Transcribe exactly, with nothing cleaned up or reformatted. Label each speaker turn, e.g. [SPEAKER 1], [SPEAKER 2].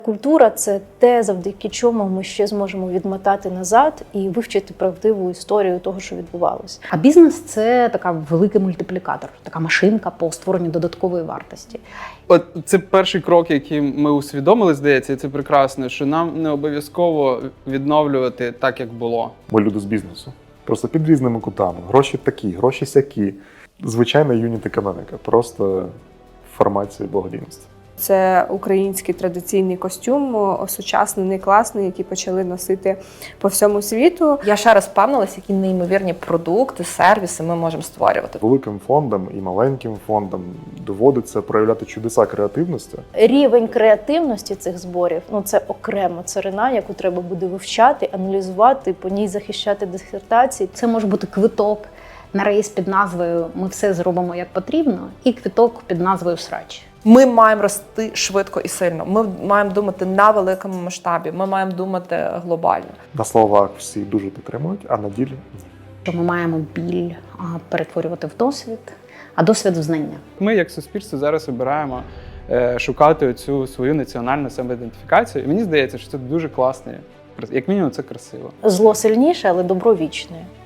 [SPEAKER 1] Культура – це те, завдяки чому ми ще зможемо відмотати назад і вивчити правдиву історію того, що відбувалося.
[SPEAKER 2] А бізнес – це така великий мультиплікатор, така машинка по створенню додаткової вартості.
[SPEAKER 3] От це перший крок, який ми усвідомили, здається, і це прекрасно, що нам не обов'язково відновлювати так, як було.
[SPEAKER 4] Ми люди з бізнесу. Просто під різними кутами. Гроші такі, гроші сякі. Звичайна юніт-економіка, просто в форматі благодійності.
[SPEAKER 5] Це український традиційний костюм, осучаснений, класний, який почали носити по всьому світу.
[SPEAKER 6] Я ще раз впевнилася, які неймовірні продукти, сервіси ми можемо створювати.
[SPEAKER 4] Великим фондам і маленьким фондам доводиться проявляти чудеса креативності.
[SPEAKER 1] Рівень креативності цих зборів – ну це окрема царина, яку треба буде вивчати, аналізувати, по ній захищати дисертації.
[SPEAKER 2] Це може бути квиток на рейс під назвою «Ми все зробимо як потрібно» і квиток під назвою «Срач».
[SPEAKER 6] Ми маємо рости швидко і сильно. Ми маємо думати на великому масштабі. Ми маємо думати глобально.
[SPEAKER 4] На словах всі дуже підтримують, а на ділі ні.
[SPEAKER 2] Що ми маємо біль а, перетворювати в досвід, а досвід в знання.
[SPEAKER 3] Ми, як суспільство, зараз обираємо е, шукати цю свою національну самоідентифікацію. І мені здається, що це дуже класно. Як мінімум, це красиво.
[SPEAKER 1] Зло сильніше, але добро вічне.